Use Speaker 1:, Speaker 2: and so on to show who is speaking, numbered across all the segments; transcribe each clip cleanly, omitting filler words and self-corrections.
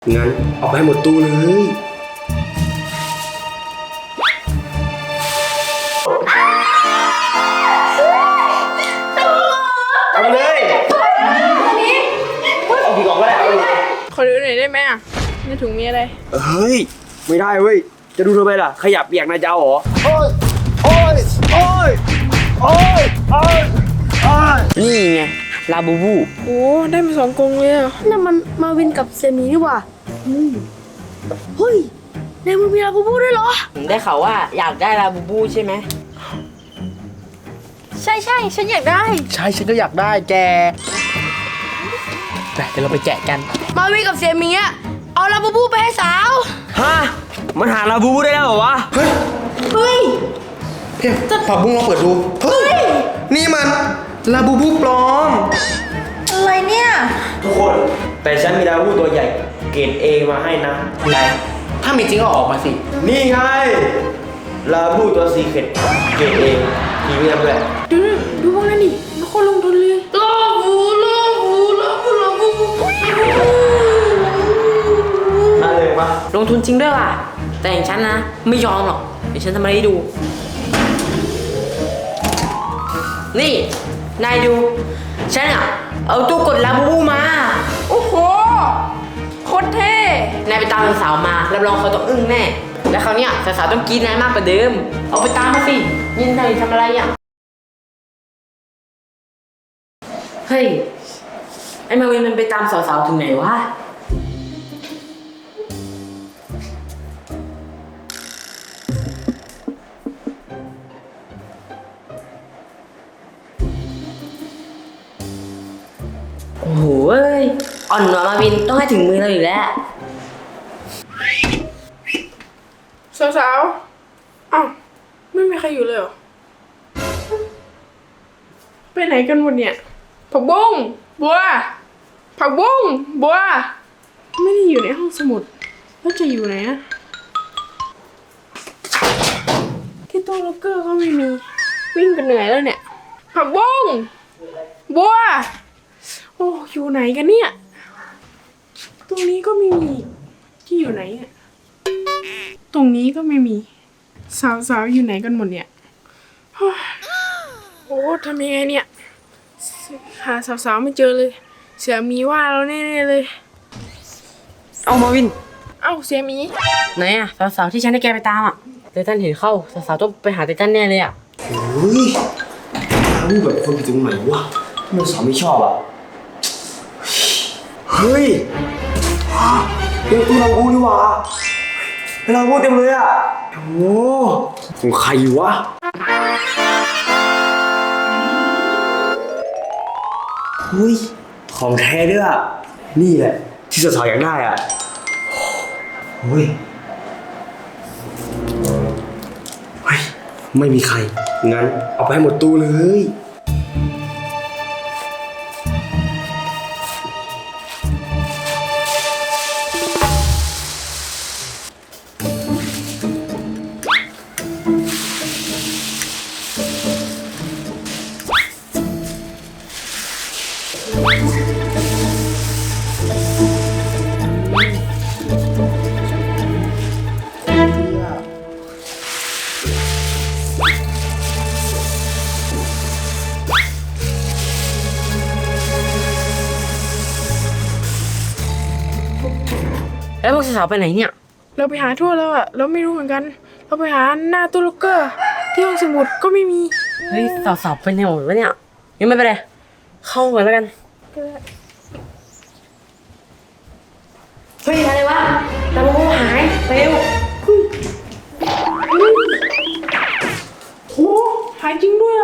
Speaker 1: งั้นเอาไปให้หมดตู้เลยเอาไปเลยเอาผีกล่องก็ได้เอาไปเลย
Speaker 2: ขอดูหน่อยได้ไหมอ่ะในถุงมีอะไร
Speaker 1: เฮ้ยไม่ได้เว้ยจะดูทำไมล่ะขยับเปียกนายจะเอาเหรอโอ้ยโอ้ยโอ้ยโอ้ยโอ้ยโอ้ยนี่ไงลาบูบู
Speaker 2: โอ้ได้มา2 กรงเลยอ่ะ
Speaker 3: นั่นมันมาวินกับเซมีนี่หว่าเฮ้ยในมือมีลาบูบูด้วยเหรอ
Speaker 4: ผมได้ข่าวว่าอยากได้ลาบูบูใช่ไหม
Speaker 3: ใช่ฉันอยากได้
Speaker 5: ใช่ฉันก็อยากได้แกไปเดี๋ยวเราไปแกะกัน
Speaker 3: มาวินกับเซมีอะเอาลาบูบูไปให้สาว
Speaker 1: ฮะมันหาลาบูบูได้แล้วเหรอวะ
Speaker 3: เฮ้ย
Speaker 5: เฮ้ยผักบุ้งลองเปิดดู เฮ้ย นี่มันลาบูบูปลอม
Speaker 3: อะไรเนี่ย
Speaker 1: ทุกคนแต่ฉันมีลาบูบูตัวใหญ่เกรดเอมาให้นะ
Speaker 5: ไหน ถ้ามีจริงก็ออกมาสิ
Speaker 1: นี่ไงลาบูตัวซีเค็ดเกรดเอทีวีด้วย
Speaker 2: ดูพวกนั้นดิมันโคตรลงทุนเลย
Speaker 3: ลาบูลาบูลาบูลาบู
Speaker 1: น่าเลยปะ
Speaker 4: ลงทุนจริงด้วยว่ะแต่อย่างฉันนะไม่ยอมหรอกเดี๋ยวฉันทำอะไรให้ดู นี่นายดูฉันอ่ะเอาตู้กดลาบูบูมา
Speaker 2: โอ้โหโคตรเท่
Speaker 4: นายไปตามสาวๆมารับรองเขาต้องอึ้งแน่และคราวเนี้ยสาวๆต้องกรี๊ดนายมากกว่าเดิมเอาไปตามมาสิยินดีทำอะไรอ่ะเฮ้ยไอ้มาวินมันไปตามสาวๆถึงไหนวะโอ้โหเอ้ยอ่อนหวามาวินต้องให้ถึงมือเราอยู่แล้ว
Speaker 2: สาวๆอ้าวไม่มีใครอยู่เลยเหรอไปไหนกันหมดเนี่ยผักบุ้งบัวผักบุ้งบัวไม่ได้อยู่ในห้องสมุดแล้วจะอยู่ไหนอะที่ตู้ล็อกเกอร์ก็ไม่มีวิ่งกันเหนื่อยแล้วเนี่ยผักบุ้งบัวโอ้อยู่ไหนกันเนี่ยตรงนี้ก็ไม่มีที่อยู่ไหนเนี่ยตรงนี้ก็ไม่มีสาวๆอยู่ไหนกันหมดเนี่ยโอ้ยโอ้ทำยังไงเนี่ยหาสาวๆไม่เจอเลย เสียหมีว่าเราแน่ๆเลย
Speaker 4: เอามาวิน
Speaker 2: เอ้าเสียหมี
Speaker 4: ไหนอะสาวๆที่ฉันให้แกไปตามอะไททันเห็นเข้าสาวๆต้องไปหาไททันแน่เลยอะ
Speaker 1: เฮ้ยลาบูแบบคนผิดตรงไหนวะทำไมสาวไม่ชอบอ่ะเฮ้ยเป็นตัวลาบูนี่หว่าเป็นลาบูเต็มเลยอ่ะโอ้ของใครวะเฮ้ยของแท้ด้วยอ่ะนี่แหละที่สาวๆอยากได้อ่ะเฮ้ยไม่มีใครงั้นเอาไปให้หมดตู้เลย
Speaker 4: แล้วพวกสาวๆไปไหนเนี่ย
Speaker 2: เราไปหาทั่วแล้วอะเราไม่รู้เหมือนกัน เราไปหาหน้าตู้ล็อกเกอร์ที่ห้องสมุดก็ไม่มี
Speaker 4: เฮ้ยสาวๆไปไหนหมดวะเนี่ยยังไม่ไปเลยเข้ามาแล้วกันเฮ้ยอะไรวะลาบูบูหายไปเร็ว
Speaker 2: โอ้หายจริงด้วยอะ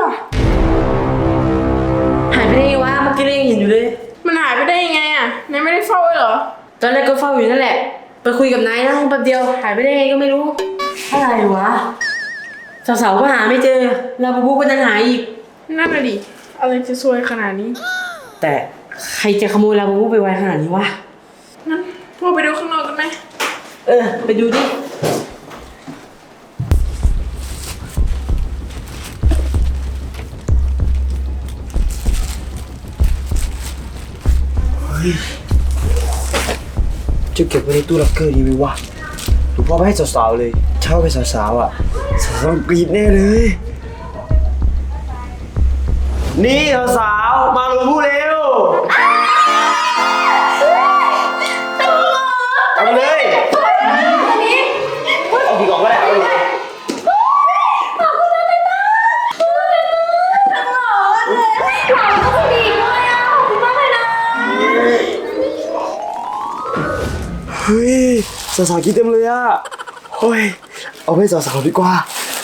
Speaker 4: หายไปได้ไงวะเมื่อกี้เรายังเห็นอยู่เลย
Speaker 2: มันหายไปได้ยังไงอะนายไม่ได้เฝ้าเลยเหรอ
Speaker 4: ตอนแรกก็เฝ้าอยู่นั่นแหละไปคุยกับนายนะแป๊บเดียวหายไปได้ไงก็ไม่รู้อะไรวะสาวๆก็หาไม่เจอลาบูบูก็ยังหายอีก
Speaker 2: นั่นน่ะดิอะไรจะซวยขนาดนี้
Speaker 4: แต่ใครจะขโมยลาบูบูไปไว้ขนาดนี้วะ
Speaker 2: งั้นพวกไปดูข้างนอกกันไหม
Speaker 4: ไปดูดิ
Speaker 1: ทจะเก็บไว้ในตู้ล็อกเกอร์ดีไหมวะหรือพ่อไปให้สาวๆเลยเช่าไปสาวๆอ่ะสาวๆกรี๊ดแน่เลยนี่สาวๆมาลาบูบูเร็วเอาไปเลยเอากี่กล่องก็ได้เอาไปเลย เฮ้ยสาวๆคิดเต็มเลยอ่ะโอ้ยเอาไปสาวๆดีกว่า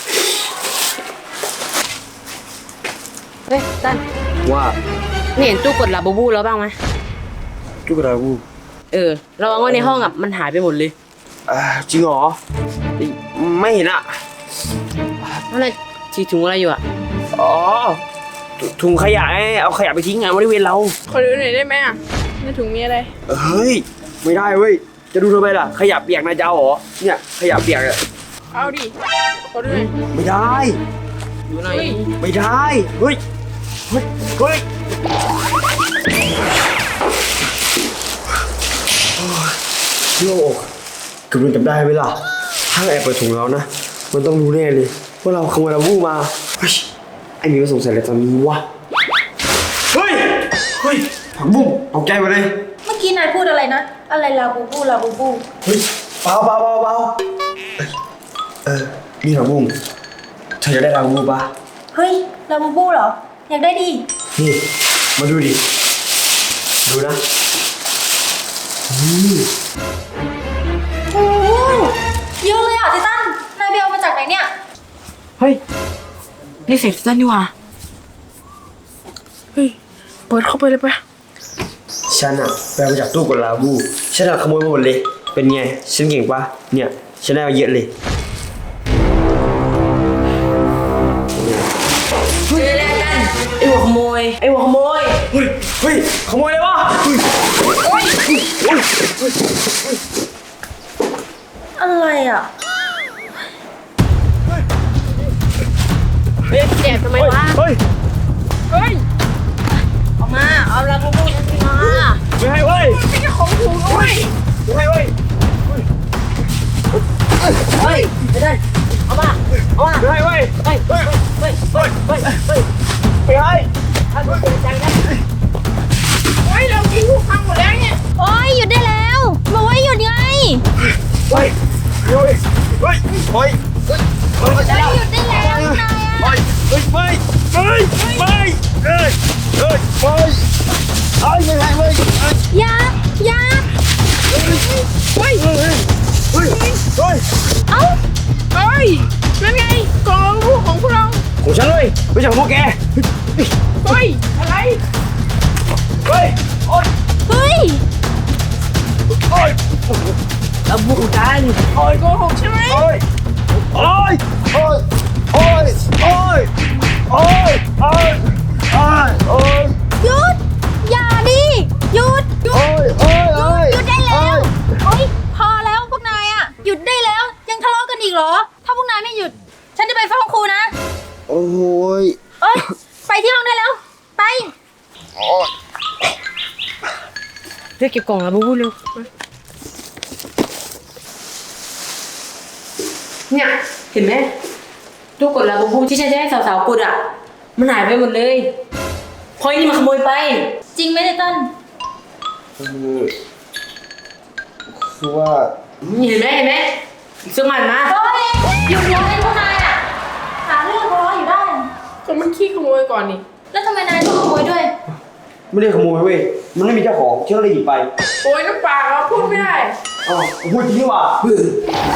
Speaker 4: เฮ้ยตัน
Speaker 1: ว่า
Speaker 4: นี่เห็นตู้กดลาบูบูแล้วบ้างไหม
Speaker 1: จุกราบู
Speaker 4: ระวังว่าในห้องอ่ะมันหายไปหมดเลย
Speaker 1: จริงเหรอไม่เห็นอ่ะ
Speaker 4: อะไรถือถุงอะไรอยู่อ่ะ
Speaker 1: อ๋อถุงขยะไงเอาขยะไปทิ้งไงบริเวณเรา
Speaker 2: ขอดูหน่อยได้ไหมอ่ะในถุงมีอะไร
Speaker 1: เฮ้ยไม่ได้เว้ยจะดูทำไมล่ะขยะเปียกนายจะเอาเหรอเนี่ยขยะเปียกอ่ะ
Speaker 2: เอาดิขอดูหน่อย
Speaker 1: ไม่ได้
Speaker 4: ดูหน่อย
Speaker 1: ไม่ได้เฮ้ยเฮ้ยเฮ้ยโล่งกำลังจับได้ไหมล่ะถ้าแอบเปิดถุงแล้วนะมันต้องรู้แน่เลยว่าเราขโมยลาบูมาเฮ้ยไอ้มีมาสงสัยอะไรตอนนี้วะเฮ้ยเฮ้ยผักบุ้งตกใจหมดเลย
Speaker 3: เมื่อกี้นายพูดอะไรนะ อะไรลาบูบูลาบูบู
Speaker 1: เฮ้ยเบานี่ผักบุ้งเธอจะได้ลาบูปะ
Speaker 3: เฮ้ยลาบูบูเหรอ อยากได้ดิ
Speaker 1: นี่มาดูดิดูนะ
Speaker 3: โอ้โหเยอะเลยอ่ะไททันนายไปเอามาจากไหนเนี่ย
Speaker 1: เฮ้ย
Speaker 4: นี่เสร็จตันดีกว่า
Speaker 2: เฮ้ยเปิดเข้าไปเลยปะ
Speaker 1: ฉันอะไปเอามาจากตู้กดลาบูฉันอะขโมยมาหมดเลยเป็นไงฉันเก่งปะเนี่ยฉันได้มาเยอะเลย
Speaker 4: เฮ้ยแลกกันไอ้หัวขโมยไอ้หัวขโมย
Speaker 1: เฮ้ยขโมยเลยวะเฮ้ย
Speaker 3: อะไรอ่ะ
Speaker 2: เฮ้ยแอบทำไมวะ
Speaker 1: เฮ้ย
Speaker 2: เฮ้ย
Speaker 4: ออกมาเอาลาบูบูมา
Speaker 1: ไม่ให้เว้ย
Speaker 2: ไม่ใช่ของถูกด้วย
Speaker 1: ไม่ให้เว้ย
Speaker 4: เฮ้ยไม่ได้เอามาเอามา
Speaker 1: ไม่ให้เว้ย
Speaker 4: เฮ้ยเฮ้ยเฮ้ยเฮ้ยเฮ้ยเฮ้ย
Speaker 1: ไม่ให้
Speaker 4: ท่านผู้ชมใจนะ
Speaker 2: เฮ้ยเรากินทุกครั้งหมดแล้วเนี่ย
Speaker 3: โอ้ยหยุดได้แล้วบอกว่าหยุดไง
Speaker 1: เฮ้ยเฮ้ยเฮ้ยเฮ้ยเฮ้ย
Speaker 3: เฮ้ยหยุดได้แล้วนายอ่ะ
Speaker 1: เฮ้ยไม่เฮ้ยไม่เฮ้ยเฮ้ยไม่เฮ้ยไม่ให้เว้ย
Speaker 3: อย่า
Speaker 2: เฮ้ย
Speaker 1: เฮ้ยเฮ้ยเฮ้ย
Speaker 3: เอ้า
Speaker 2: เฮ้ยนั่นไงกล่องลูกของพวกเรา
Speaker 1: ของฉันเลยไม่ใช่ของพวกแก
Speaker 2: เฮ้ยอะไร
Speaker 1: เฮ้ยโอ๊ย
Speaker 3: เฮ้ย
Speaker 1: โอ๊ย
Speaker 4: ลาบูกัน
Speaker 2: โอ้ยโกหกใช่ไหม
Speaker 1: โอ๊ยโอ๊ยโอ๊ยโอ๊ยโอ๊ยโอ๊ยโอ๊ยโอ๊ย
Speaker 3: หยุด อย่าดิ หยุด หยุ
Speaker 1: โอ๊
Speaker 3: ด
Speaker 1: ยโอ๊ยโอ๊ย
Speaker 3: หยุดได้แล้วโอ๊ยพอแล้วพวกนายอ่ะ หยุดได้แล้ว ยังทะเลาะกันอีกเหรอ ถ้าพวกนายไม่หยุด ฉันจะไปฟ้องครูนะ
Speaker 1: โอ๊ย
Speaker 3: เอ้ย ไปที่ห้องได้แล้ว ไป
Speaker 4: เรียกเก็บกล่องลาบูบูเร็วเนี่ยเห็นไหมตู้กดลาบูบูที่ฉันจะให้สาวๆกดอ่ะมันหายไปหมดเลยเพราะไอ้นี่มันขโมยไป
Speaker 3: จริงไหมไททัน
Speaker 1: คือว่า
Speaker 4: เห็นไหมซื้อมันมา
Speaker 3: โอ๊ยหยุดเลยพวกนายอ่ะ หาเรื่องทะเลาะอยู่ได้
Speaker 2: ก็มันขี้ขโมยก่อนนี่
Speaker 3: แล้วทำไมนายต้องขโมยด้วย
Speaker 1: ไม่ได้ขโมยเว้ยมันไม่มีเจ้าของฉันก็เลยหยิบไป
Speaker 2: โอ้ยน้ำปากเราพูดไม่ได้
Speaker 1: อ๋อพูดจริงดีกว่า
Speaker 3: เฮ้ย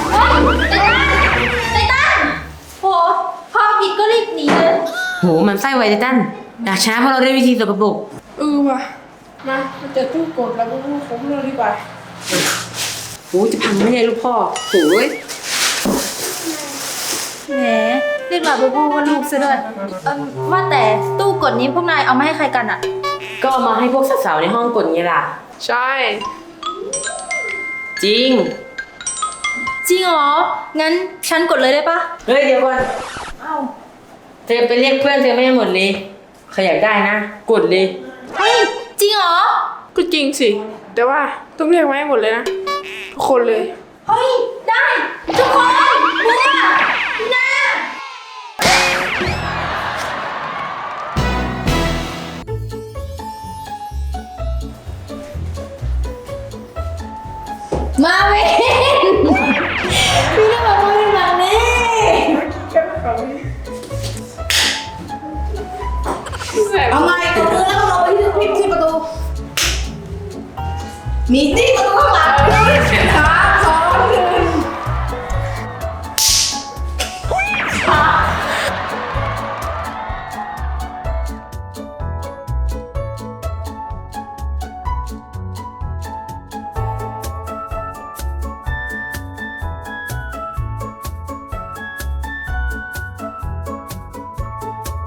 Speaker 3: ไททันโหพอผิดก็รีบหนีเลย
Speaker 4: โหมันไส้ไวไททันอยากชนะเพราะเราได้วิธีสกปรก
Speaker 2: ว่ะมาเจอตู้กดแล้วก็ลูกของเราดีกว่า
Speaker 4: โอ้จะพังไม่ได้ลูกพ่อโอ้ย
Speaker 3: แหมเรียกลาบูบูว่าลูกซะด้วยว่าแต่ตู้กดนี้พวกนายเอามาให้ใครกันอ่ะ
Speaker 4: ก็เอามาให้พวกสาวๆในห้องกดไงล่ะ
Speaker 2: ใช่
Speaker 4: จริง
Speaker 3: จริงเหรอ งั้นฉันกดเลยได้ปะ
Speaker 4: เฮ้ยเดี๋ยวก่อน
Speaker 3: เอ้า
Speaker 4: เธอไปเรียกเพื่อนเธอไม่ให้หมดเลยใครอยากได้นะ กดเลย
Speaker 3: เฮ้ย จริงเหรอ
Speaker 2: ก็จริงสิ แต่ว่าต้องเรียกไว้ให้หมดเลยนะ
Speaker 3: โ
Speaker 2: ทุกคนเลย
Speaker 3: เฮ้ย ได้ ทุกคนบัวนะมาเว้ยพี่น่าบอกว่าเป็นแบบนี้เอาไงตัวมือแล้วเราไปที่ประตู มีที่ประตูข้างหลัง